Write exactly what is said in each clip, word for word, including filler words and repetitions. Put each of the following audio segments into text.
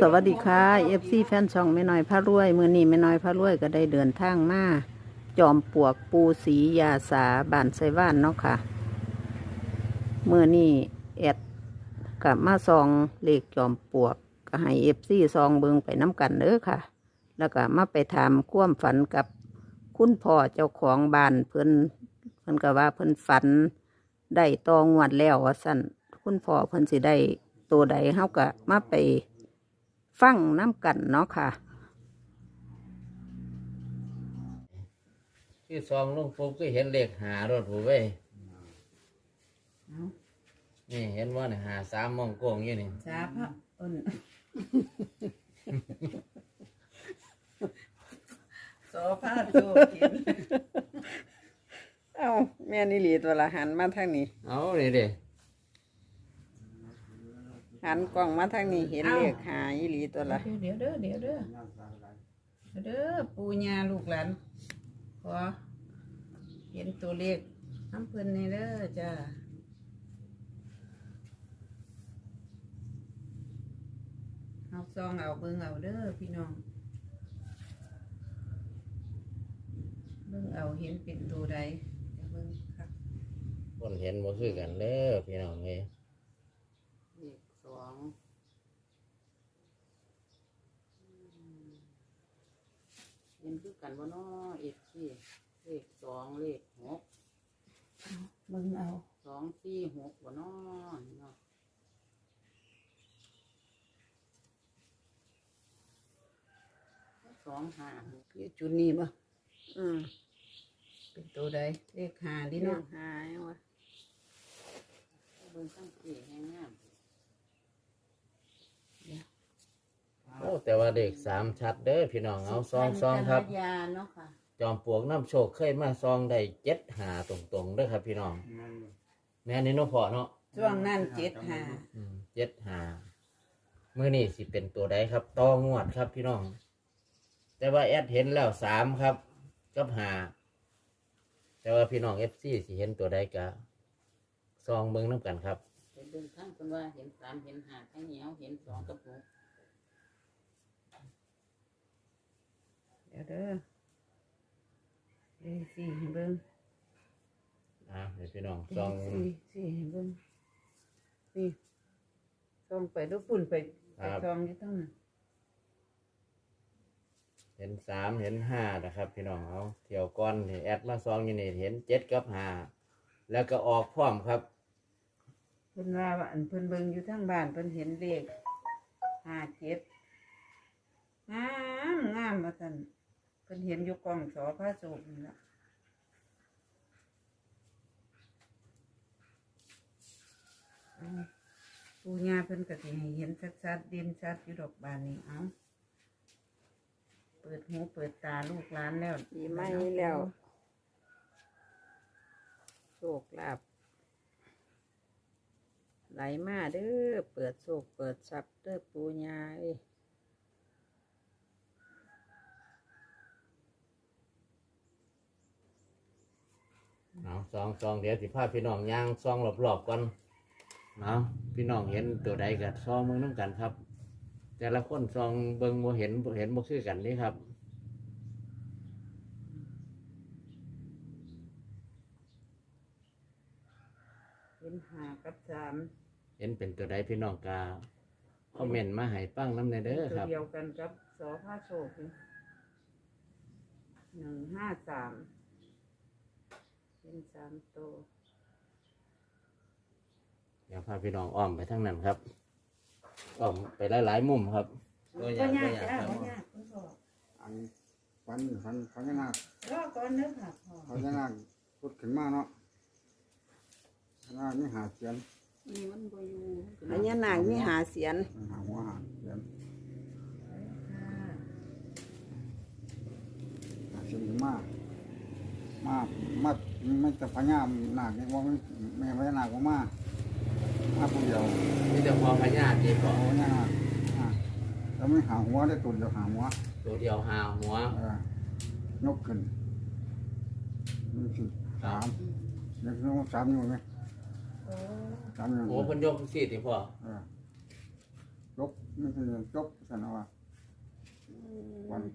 สวัสดีค่ะเอฟซีแฟนช่องแม่น้อยพารวยมือนี้แม่น้อยพารวยก็ได้เดินทางมาจอมปลวกปูสียาสาบ้านไซว่านเนาะค่ะมือนี้แอดกับมาซองเลขจอมปลวกก็ให้เอฟซีซองเบิงไปน้ำกันเด้อค่ะ แล้วก็มาไปถามความฝันกับคุณพ่อเจ้าของบ้านเพิ่นเพิ่นก็ว่าเพิ่นฝันได้ตองวดแล้วว่าสั่นคุณพ่อเพิ่นสิได้ตัวใดเฮาก็มาไปฟังน้ำกันเนาะค่ะที่ซองลงปุ๊บก็เห็นเลขหารถหูเว้ยนี่เห็นว่าเนี่ยหาสามมองโกงอยู่นี่จ้าพระอ้นโซฟาโจกินเอ้าแม่นี่หลีตัวละหันมาทางนี้เอาเลยเด้หันกล้องมาทางนี้เห็นเลขหาอีหลีตัวละเดี๋ยวเด้อเดี๋ยวเด้อเด้อปูญาลูกหลานขอเห็นตัวเลขน้ำเพิ่นนี่เด้อจ้าเอาซองเอาเบิ่งเอาเด้อพี่น้องเบิ่งเอาเห็นเป็นตัวใดเดี๋ยวเบิ่งครับคนเห็นบ่คือกันเด้อพี่น้องเอ้ยเลขสองเห็นคือกันบ่เนาะเอฟซีเลขสองเลขหกเบิ่งเอาสองสี่หกบ่เนาะเนาะสองห้าคือจุดนี้บ่อืมเป็นตัวใดเลขหาดิเนาะเนาะหายวะเบิ่งตั้งสี่แห้งงามโอ้แต่ว่าเลขสามชัดเด้อพี่น้องเอาซองซองครับยาเนาะค่ะจอมปลวกน้ำโชคเคยมาซองได้เจ็ดหาตรงๆเด้อครับพี่น้องแม่นี่เน้องพ่อเนาะช่วงนั้นเจ็ดหาอืมเจ็ดหามื้อนี้สิเป็นตัวใดครับต่องวดครับพี่น้อง แต่ว่าแอดเห็นแล้วสามครับกับหาแต่ว่าพี่น้องเอฟซีสิเห็นตัวใดกะซองเบิ่งน้ำกันครับเห็นเดินทางคนว่าเห็นสามเห็นห้าข้างเหนียวเห็นสองกับหกเดี๋ยวเด้อเลขสี่ให้เบิ่งอ่าเดี๋ยวพี่น้องเลซองขสี่สี่ให้เบิ่งนี่ซองไปดูฝุ่นไปไปซองอยู่ตั้งนั้นเห็นสามเห็นห้านะครับ พี่น้องเอาเที่ยวก้อนนี่แอดมาซองอยู่นี่เห็นเจ็ดกับห้าแล้วก็ออกพร้อมครับเพิ่นว่าว่าอันเพิ่นเบิ่งอยู่ทางบ้านเพิ่นเห็นเลขห้าเจ็ดงามงามว่าซั่นเพิ่นเห็นอยู่กล่องสอพระโศกนี่ล่ะเอาปู่ย่าเพิ่นก็สิให้เห็นชัดๆเด่นชัดอยู่ดอกบานนี้เอาเปิดหูเปิดตาลูกหลานแล้วปีใหม่แล้วโชคลาภไหลมาเด้อเปิดโชคเปิดทรัพย์เด้อปูญาเอ้ยเอาซองซองเดี๋ยวสิพาพี่น้องย่างซองรอบๆก่อนเนาะพี่น้องเห็นตัวใดกับซองเบิ่งน้ำกันครับ แต่ละคนซองเบิ่งบ่เห็นบ่เห็นบ่คือกันนี่ครับเห็นห้ากับสามเห็นเป็นตัวใดพี่น้องกาคอมเมนต์มาให้ปั้งน้ำในเด้อตัวครับเดียวกันกับสอพระโศกนี่หนึ่งห้าสามเป็นสามตัวเดี๋ยวพาพี่น้องอ้อมไปทั้งนั้นครับอ้อมไปหลายๆมุมครับตัวอย่างก็ตัวยากอย่างจ้าครับก็ยากคุณพ่ออันฟันฟันฟันนาครอก่อนเด้อค่ะพ่อฟันนาคพุดขึ้นมาเนาะพญานาคนี่หาเสียนนี่มันบ่อยู่พญานาคมีหาเสียนหาหัวหาเสียนหาเสียนขึ้นมามามาไม่แต่พญานาคนี่ว่าไม่ไม่พญานาคก็มามาผู้เดียวนี่จะพอพญาตีพอเอาพญานาคอ่าแล้วไม่หาหัวได้ตัวเดียวหาหัวตัวเดียวหาหัวเออยกขึ้นนี่สิสามเด็กน้องสามอยู่ไหมโอ้สามอยู่โอ้เพิ่นยกสี่ตีพอเออยกนี่คือจบสันว่าวัน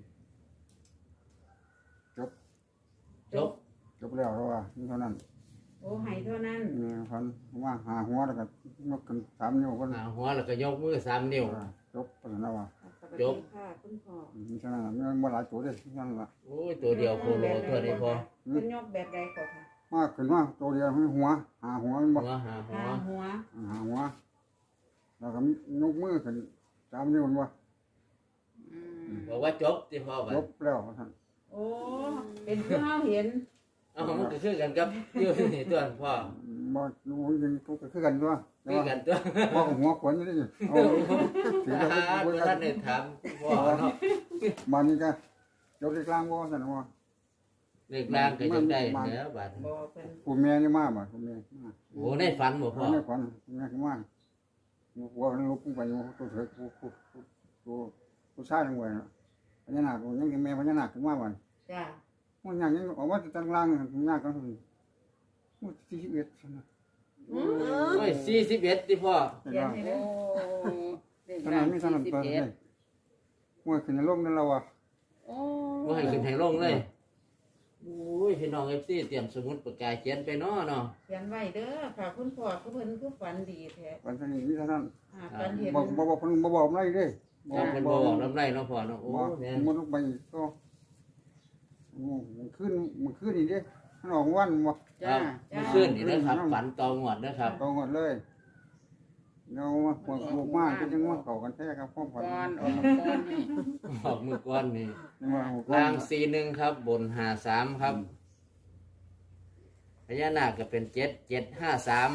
จบจบจบแล้วเพราะว่านี่เท่านั้นโอ้ให้เท่านั้นนี่พันว่าหาหัวแล้วก็ยกกันสามนิ้วก็หาหัวแล้วก็ยกมือสามนิ้วจบสันว่าสวัสดีค่ะคุณพ่อนี่เท่านั้นมันบ่หลายตัวเด้นั่นล่ะโอ้ยตัวเดียวโคโลตัวนี้พอเป็นยกแบบใดก่อนค่ะมากขึ้นว่าตัวเดียวให้หัว หาหัวมันบ่หัวหาหัวหาหัวหาหัวแล้วก็ยกมือขึ้นสามนิ้วมันบ่บอกว่าจบที่พ่อบัดจบแล้วท่านโอ้เป็นคือเฮาเห็นเอ้ามันก็คือกันกับอยู่นี่ตัวพ่อบ่รู้ยังก็คือกันตัวคือกันตัวพ่อหัวขวนนี่เอาถืออ่าว่าตัวท่านได้ถามพ่อเนาะบ้านนี้ก็ยกที่กลางบ่ซั่นว่าเลขล่างก็ยังได้แล้วบัดบ่เป็นผู้แม่นี่มาบ่ผู้แม่มาโอ้ในฝันบ่พ่อในฝันแม่ก็มาหัวมันลุกไปอยู่ตัวเถิดผู้ผู้ผู้ผู้ชายทั้งหมดพญานาคยังแม่พญานาคขึ้นมาบ่จ้ามันยังยังออกมาจากล่างยากกันมันสี่สิบเอ็ดซั่นน่ะโอ้ยสี่สิบเอ็ดที่พ่อเห็นเขียนบ่ให้เด้อขนาดมีขนาดเปิดเลยหัวขึ้นในโลกนั่นแล้วว่ะว่าให้ขึ้นให้ลงเลยโอ้ยพี่น้องเอฟซีเตรียมสมุดปากกาเขียนไปเนาะเนาะเขียนไว้เด้อค่ะคุณพ่อคือเพิ่นคือฝันดีแท้วันนี้มีเท่านั้นอ่าฝันเห็นบอกบอกบอกเพิ่นบ่บอกอะไรเด้จำเป็นบ่บอกลำไรเนาะพ่อเนาะโอ้บอกเนี่ยมันลงไปก็มันขึ้นมันขึ้นอีกเด้มันออกวันบ่ครับเมื่อคืนนี่นะครับฝันตองหวดนะครับตรงหมดเลยเรามาปวดลูกมากก็ยังว่าเข้ากันแท้ครับพ่อฝันก่อนออกมาก่อนนี่ออกมือก้อนนี่นี่ว่าล่างสี่หนึ่งครับ บนห้าสามครับพญานาคก็เป็นเจ็ดเจ็ดห้าสาม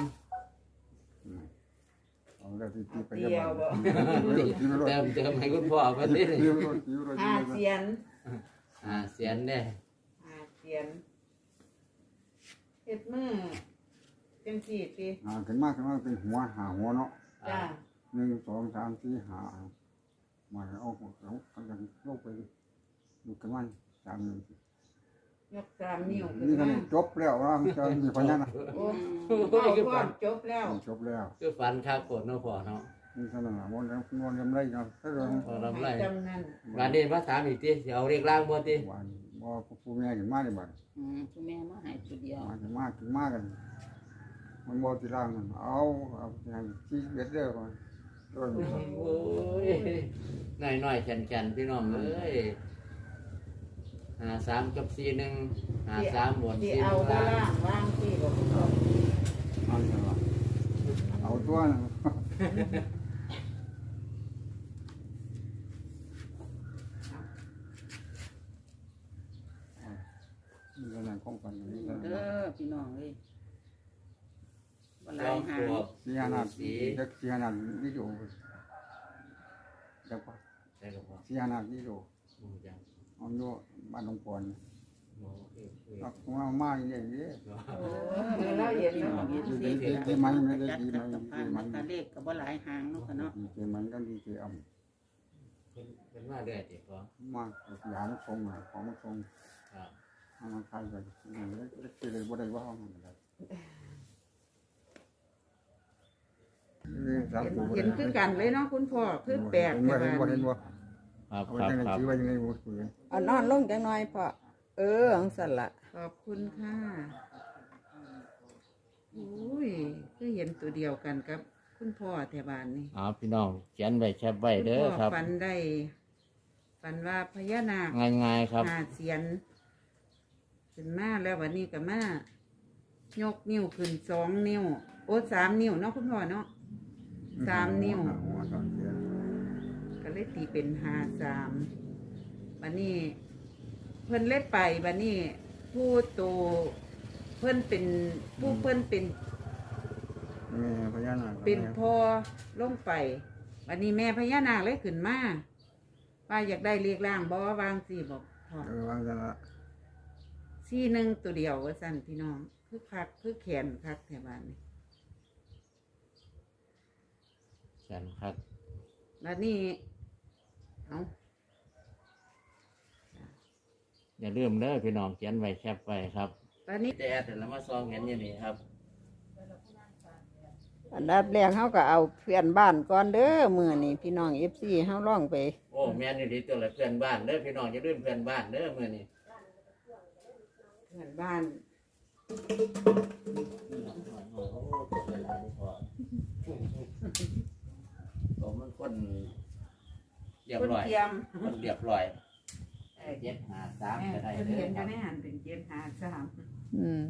เอาแล้วที่ที่ไปเดียวบ่เติมเติมให้คุณพ่อมาดิที่รถที่รถห้าเสียนอ่าเสียนเนี่ยห้าเสียนเฮ็ดมือจังซี่ติอ่าขึ้นมาขึ้นมาเป็นหัวหาหัวเนาะจ้าหนึ่งสองสามสี่ห้ามาเอาหัวเขาเขาจะลงไปดูกันมันสามหนึ่งยกสามนิ้วขึ้นนี่ก็มาจบแล้วว่าจะมีพญานาคโอ้โอ้พ่อยคือพ่อฝันจบแล้วจบแล้วคือฝันข้าวโกดเนาะพ่อเนาะนี่ขนาดวันนั้นวันยังไรเนาะถ้าเราพอลำไรให้จำนั้นวันนี้มาถามอีกทีเดี๋ยวเอาเรียกล่างบ่ทีวันว่าผู้แม่ถึงมาเลยบัดอืมคุณแม่มาใหายตัวเดียวมาถึงมาถึงมากัน มันบ่ที่ร่างมันเอาเอาอย่างที่เบ็ดเด้อก่อนโดนโอ้ยน้อยน้อยๆแข็งแข็งพี่น้องเอ้ยหาสามกับสี่หนึ่งหาสามบนที่สี่เอาล่าบ่ล่าง งว่างที่บ่คุณพ่อเอาจังหวะเอาตัวนะนี่ก็นั่งของกันนี่ก็เด้อพี่น้องเลยบ่หจลาอย มหาปลงวกสีหนาดจักสีหนาดนี่อยู่จักว่าใช่ครับพ่อสีหนาดนี่อยู่อืมจังเอาอยู่บ้านหลวงปอนโอ้เอ้ยเอ้ยเอาของเรามาอย่างนี้โอ้ยเราเห็นพี่แล้วน้องเนาะเห็นดีสีดีดีไหมไม่ได้จัดดีไหมกับดีผ่านไหมมันตาเลขก็บ่หลายหางเนาะค่ะเนาะดีไหมก็ดีเจอ่เป็นเป็นมาเรื่อยติพ่อำมากยามทรงอ่ะของมันทรงครับเอามาขายไปนี่เล็กเล็กเลยบ่ได้ว่าเอามันเลยนี่สามเห็นตัวเห็นคือกันเลยเนาะคุณพ่อคือแปลกเห็นแต่บ่เห็นบ่ว่าเห็นบ่ครับเอาครับจังไงครับถือไว้ยังไงบ่ถือเอานอนลงจังหน่อยพ่อเอออังสันละขอบคุณค่ะอุ้ยคือเห็นตัวเดียวกันกับคุณพ่อแถวบ้านนี่เอาพี่น้องเขียนไว้แคบไว้เด้อครับฝันได้ฝันว่าพญานาคง่ายๆครับหาเสียนขึ้นมาแล้ววันนี้ก็มายกนิ้วขึ้นสองนิ้ว โอ้สามนิ้วเนาะคุณพ่อเนาะ สามนิ้วหัวสามเสียนก็เลยตีเป็นหาสามวันนี้ เพิ่นเล็ดไปวันนี้ ผู้โตเพิ่นเป็นผู้เพิ่นเป็นแม่พญานาคเป็นพ่อลงไปวันนี้แม่พญานาคเลยขึ้นมาว่าอยากได้เรียกร่างบ่วางสี่บอกพ่อเออวางจังละสี่หนึ่งตัวเดียวว่าสั่นพี่น้องคือคักคือแขนคักแถวบ้านนี่เขียนครับแล้วนี่เอาอย่าลืมเด้อพี่น้องเขียนไว้แคบไว้ครับตอนนี้แต่แต่ละมาซองเห็นอย่างนี้ครับโอันดับแรกเขาก็เอาเพื่อนบ้านก่อนเด้อมื้อนี้พี่น้อง เอฟ ซี เฮาลองไปโอ้แม่นอยู่ดีตัวละเพื่อนบ้านเด้อพี่น้องอย่าลืมเพื่อนบ้านเด้อมื้อนี้เพื่อนบ้านโอ้โหเป็นหลายพอผมมันคนเรียบคนร้อยเทียมคนเรียบร้อยเจ็ดหาสามแม่ก็ได้เพิ่นเด้อเห็นอครัยู่บในหันเป็นเจ็ดหาสามอืม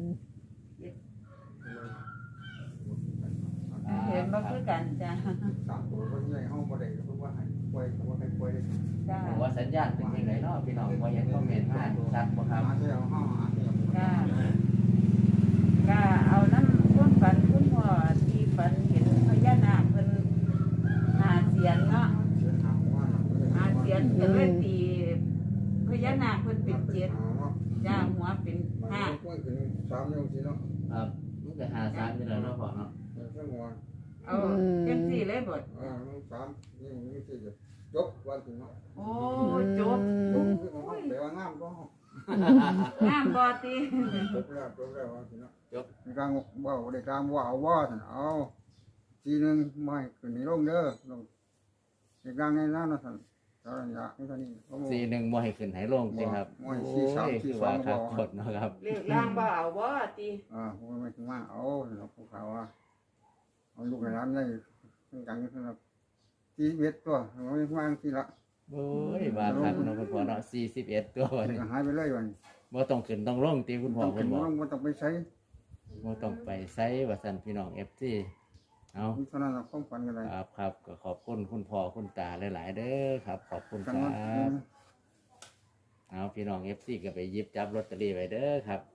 เห็นบ่คือกันจ้าสามตัวคนใหญ่ห้องบ่ได้เพราะว่าให้ป่วยเพราะว่าให้ป่วยได้จ้าผมว่าสัญญาณเป็นยังไงเนาะพี่น้องพอเห็นคอมเมนต์มาชัดบ่ครับหาเที่ยวห้องหาเที่ยวจ้าก็เอาน้ำพ่วงฝันคุณพ่อที่ฝันเห็นพญานาคเพิ่นหาเสียนเนาะเสียหาว่าหาเสียนเพิ่นเลยตีพญานาคเพิ่นเป็นเจ็ดจ้าหัวเป็นห้าป่วยขึ้นสามนิ้วสิเนาะครับมันก็หาสามอยู่แล้วเนาะพ่อเนาะเรื่องหัวเอาจังสี่เลยบดอ่าสามนิ้วนี่สิจบวันถึงเนาะโอ้จบจบคือของแต่ว่างามก็งามบ่ติจบแล้วจบแล้ววันถึงเนาะจบในการว่าได้การว่าเอาว่าท่านเอาทีหนึ่งไม่ขึ้นในร่มเด้อลงในการในนั้นนะท่านสารยะนี่ท่านนี่สี่หนึ่งบ่ให้ขึ้นให้ลงสิครับบ่ให้โอ้สี่สามยสี่คือสอว่าง ครับบ่กดเนาะครับเลขล่างบ่เอาบ่ติอ่าผมไม่ถึงว่าเอาหลวงปู่ขาวว่าเอาลูกในร้านได้ทั้งกันสำหรับทีเวทตัวไม่ว่างทีละโอ้ยว่าครับเนาะคุณพ่อเนาะสี่สิบเอ็ดตัววันนี้หายไปเลยวันบ่ต้องขึ้นต้องลงตีคุณพ่อต้องคุเป็นณบอกร่มมันต้องไปใช้บ่ต้องไปไสว่าซั่นพี่น้อง เอฟ ซี เอาเท่านั้นความฝันกันเลยครับครับก็ขอบคุณคุณพ่อคุณตาหลาย ๆ เด้อครับ ขอบคุณคกันรัว่าบ เอาพี่น้อง เอฟ ซี ก็ไปหยิบจับลอตเตอรี่ไว้เด้อครับ